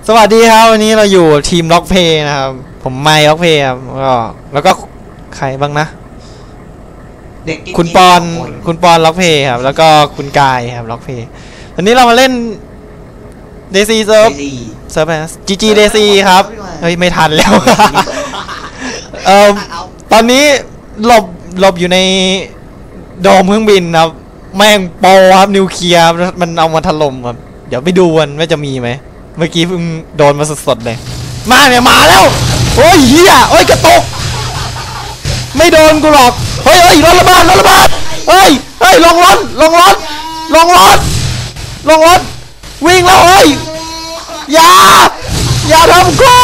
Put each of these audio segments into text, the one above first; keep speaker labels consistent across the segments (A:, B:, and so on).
A: สวัสดีครับวันนี้เราอยู่ทีมล็อกเพย์นะครับผมไมค์ล็อกเพย์ครับแล้วก็ใครบ้างนะคุณปอนล็อกเพย์ครับแล้วก็คุณกายครับล็อกเพย์วันนี้เรามาเล่นเดซีเซิร์ฟนะGGเดซีครับเฮ้ยไม่ทันแล้วตอนนี้หลบอยู่ในโดมเครื่องบินครับแม่งโปรครับนิวเคลียร์มันเอามาถล่มครับเดี๋ยวไปดูกันว่าจะมีไหมเมื่อกี้เพิ่งโดนมาสดๆเลยมาเนี่ยมาแล้วโอ้ยเฮียโอ้ยกระตุกไม่โดนกูหรอกเฮ้ยรถระเบิดเฮ้ยลงรถวิ่งแล้วเฮ้ยอย่าทำกู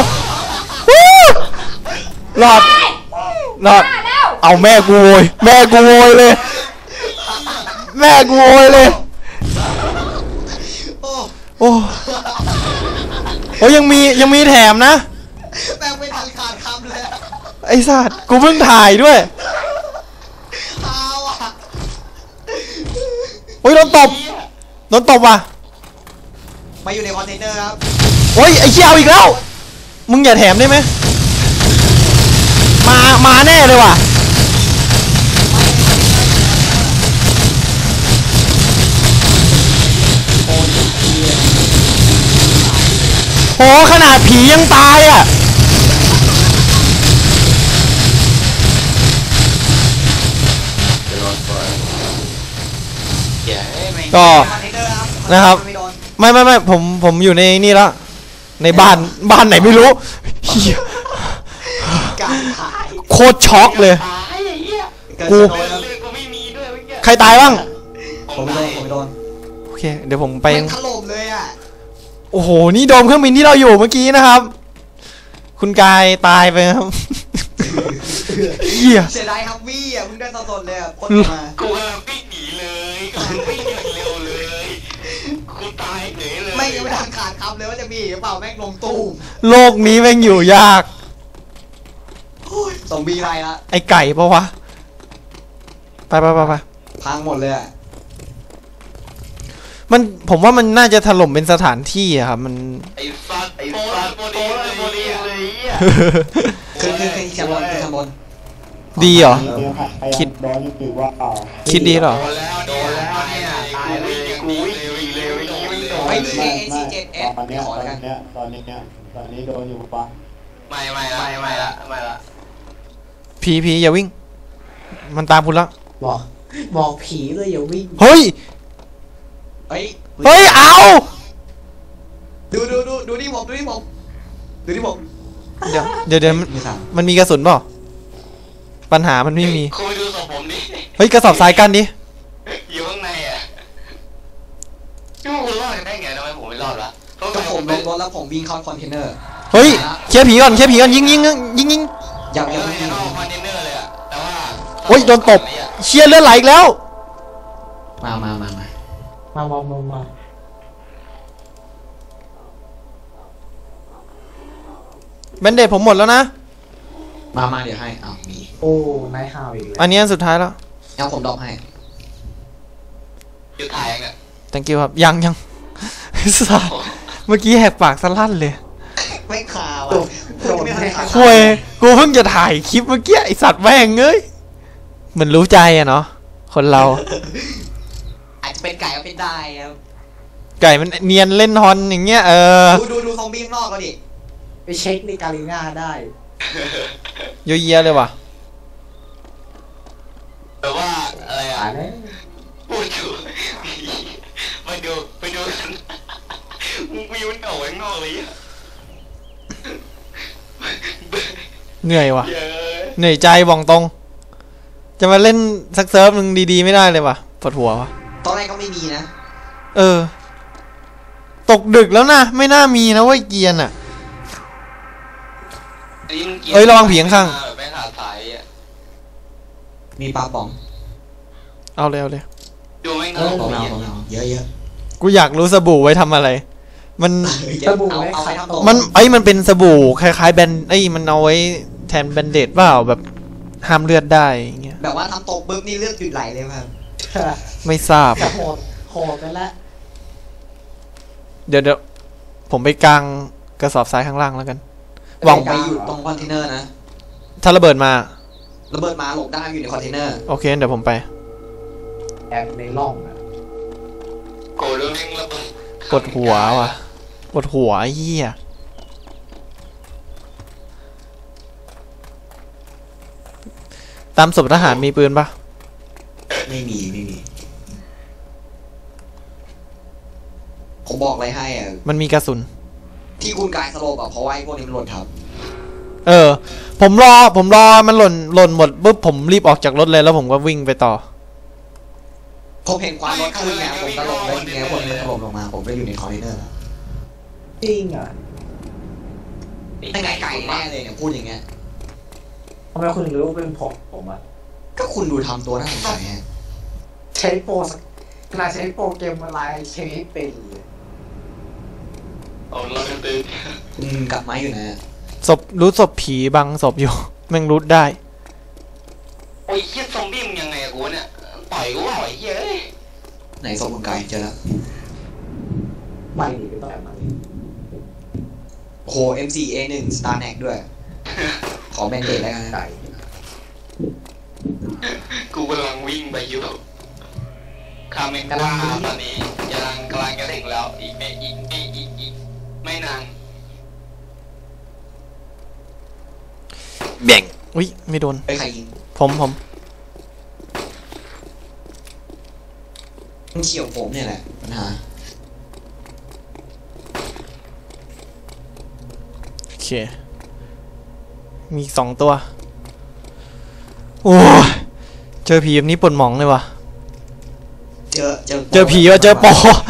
A: รอดเอาแม่กูโวยเลยแม่กูโวยเลยโอ้ยังมีแถมนะ
B: แม่งไม่ทันขาดคำเลย
A: ไอ้สัตว์กูเพิ่งถ่ายด้วยโอ้ยโดนตบว่ะ
B: มาอยู่ในคอนเทนเนอร์ครับ
A: โอ้ยไอ้เชี่ยเอาอีกแล้วมึงอย่าแถมได้ไหมมาแน่เลยว่ะโอ้ขนาดผียังตายอ่ะก็นะครับไม่ผมอยู่ในนี่แล้วในบ้านไหนไม่รู้โคตรช็อกเลยกูใครตายบ้าง
B: ผมโดน
A: โอเคเดี๋ยวผมไป
B: ถล่มเลยอ่ะ
A: โอ้โหนี่โดมเครื่องบินที่เราอยู่เมื่อกี้นะครับคุณกายตายไปครับ
B: เหี้ยเสียดายครับวี่อ่ะมึงได้สดๆเลยอ่ะคนมา
C: กูวิ่งหนีเลยวิ่งเร็วเลยกูตายเหนื่อยเลย
B: ไม่ทันขาดคำเลยว่าจะมีหรือเปล่าแม่งลงตู้
A: โลกนี้แม่งอยู่ยาก
B: ซอมบี้ไรละ
A: ไอไก่ปะวะไป
B: พังหมดเลยอ่ะ
A: ผมว่ามันน่าจะถล่มเป็นสถานที่อะครับมัน
C: ไอ้ฟัดโมลีเลย
B: คือชั้นบน
A: ดีเหรอคิดดีเหรอ
C: โดนแล้วเนี่ยตายเลยกูวิ่งเร็ว
B: ไอ้นี่AC7S ขอแล้วกัน
D: ตอนนี้โดนอยู่ปะ
C: ไม่ละ
A: ผีอย่าวิ่งมันตามคุณแล้ว
B: บอกผีเลยอย่าวิ่ง
A: เฮ้ยเอา
B: ดูนี่ผมเ
A: ดี๋ยวมันมีกระสุนเปล่าปัญหามันไม่มี
C: คุยดูศพผมดิ
A: เฮ้ยกระสอบทรายกันดิ
C: อยู่ข้างในอ่ะพี่ว่าคุณรอดได้ไงทำไมผมไม่รอดวะ
B: ก็ผมลงรถแล้วผมวิ่งเข้าคอนเทนเนอร์
A: เฮ้ยเคลียร์ผีก่อนยิง
B: ยัง
C: ไม่เข้าคอนเทนเนอร์เลยอ่ะแต่ว่า
A: โอ้ยโดนตบเชียร์เลือดไหลอีกแล้ว
B: มา
A: แบนเดตผมหมดแล้วนะ
B: มาเดี๋ยวให้มีโอ้นายข่าวอีก
A: อันนี้อันสุดท้ายแล้ว
B: เอาผมดรอปให้
C: อยู่ถ่ายยังไง
A: thank you ครับยังสัตว์เมื่อกี้แหกปากสลั่นเลย
B: ไม่ข่าว
A: คุยกูเพิ่งจะถ่ายคลิปเมื่อกี้ไอสัตว์แม่งเอ้ยเหมือนรู้ใจอะเนาะคนเรา
B: อาจจะเป็นไก่ก็เป็นได้ครับ
A: ไก่มันเนียนเล่นฮอนอย่างเงี้ย
B: ดูซอมบี้ข้างนอกก็ดิไปเช็คในกาลิน่าได้
A: เยอะเลยว่ะ
C: แต่ว่าอะไรอ่ะพูดถูกไปดูกันมึงไปยุ่งออกข้างนอกเลย
A: เหนื่อยว่ะเหนื่อยใจบอกตรงจะมาเล่นสักเซิร์ฟนึงดีๆไม่ได้เลยว่ะปวดหัวว่ะ
B: ตอนแรกก็ไม่มีนะ
A: ตกดึกแล้วนะไม่น่ามีนะเว้ยเกียร์น่ะระวังผีข้าง
B: มีปลาป๋อง
A: เอาเลย
C: ดูไม่น่า
B: เยอะ
A: กูอยากรู้สบู่ไว้ทำอะไรมัน
B: สบู่เอาไปทำตัว
A: มันเป็นสบู่คล้ายๆแบนมันเอาไว้แทนแบนเดดเปล่าแบบห้ามเลือดได้อย่างเงี้ย
B: แบบว่าทำตกปุ๊บนี่เลือดหยุดไหลเลยครับ
A: ไม่ทราบ
B: โหดกันละ
A: เดี๋ยวผมไปกลางกระสอบทรายข้างล่างแล้วกันหวัง
B: ไปอยู่ตรงคอนเทนเนอร์นะ
A: ถ้าระเบิดมา
B: ระเบิดมาหลบได้อยู่ในคอนเทนเนอร์
A: โอเคเดี๋ยวผมไป
D: แอบในร่องอ่ะ
C: โกรธเรื่องแม่งระเบิด
A: ปวดหัวว่ะปวดหัวไอ้เหี้ยตามศพทหารมีปืนปะ
B: ไม่มีผมบอกอะไรให้อ่ะ
A: มันมีกระสุน
B: ที่คุณกายสโลบอ่ะเพราะว่าไอ้พวกนี้มันหล่นทับ
A: เออ ผมรอมันหล่นหมดปุ๊บผมรีบออกจากรถเลยแล้วผมก็วิ่งไปต่อ
B: ผมเห็นควันรถขึ้นไงผมก็ลงไปไงคนเลยถล่มลงมาผมก็อยู่ในคอนเทนเนอร์แล้ว
D: จริงอ่ะ
B: ไม่ไกลแน่เลยเนี่ยพูดอย่างเงี้ย
D: ทำไมคุณถึงรู้ว่าเป็นผมอ่ะ
B: ก็คุณดูทำตัวน่าสงสัยฮะ
D: ใช้โปรขนาดใช้โปรเกมอะไรใช้ไม่เป็นเลย
C: เอาเราจะตื่น
B: กลับมาอยู่นะ
A: ศพรู้ศพผีบังศพอยู่ แม่งรู้ได้
C: โอ้ยเฮียซอมบี้มึงยังไงอะกูเนี่ยต่อยกูว่าไอ้เฮียเอ้ย
B: ไหนศพคุณกายเจอแล้ว
D: ไม่ดีก็ต้องแอบมาดิ
B: โอ้โห M4A1 Star Neck ด้วย ขอแบนเดดแล้วกันนะ
D: ไก่
C: กูกำลังวิ่งไปอยู่คาเมนว่าตอนนี้กำลังจะถึงแล้วอีกไม่นาน
A: เบ่งอุ้ยไม่โดน
B: ไปใครยิง
A: ผม
B: มันเฉี่ยวผมเนี่ยแหละปัญหา
A: โอเค มีอีก2 ตัว โอ้ยเจอผีแบบนี้ปวดหมองเลยว่ะ เจอผีว่ะเจอปอ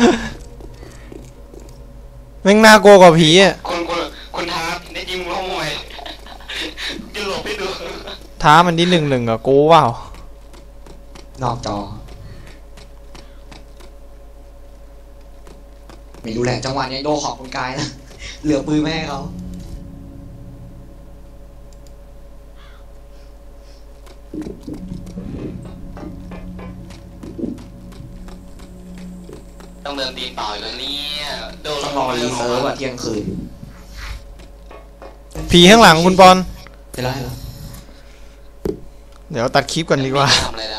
A: แม่งน่ากลัวกว่าผีอ่ะ
C: คนท้าได้ยิงมึงร้องมวยจะหลบให้ดู
A: ท้ามันที่1-1กับกูเปล่าน
B: อกจอ ไม่รู้แหละจังหวะนี้โดนของคุณกายนะ เหลือปืนไม่ให้เขา
C: ต้องเดินตีนเปล่าอีกแล้วเนี่ยโดน
B: ต้องรอรีเซิร์ฟอะเที่ยงคืน
A: ผีข้างหลังคุณปอน
B: ไปแล้ว
A: เดี๋ยวตัดคลิปก่อนดีกว่า
C: ทำอะไรนะ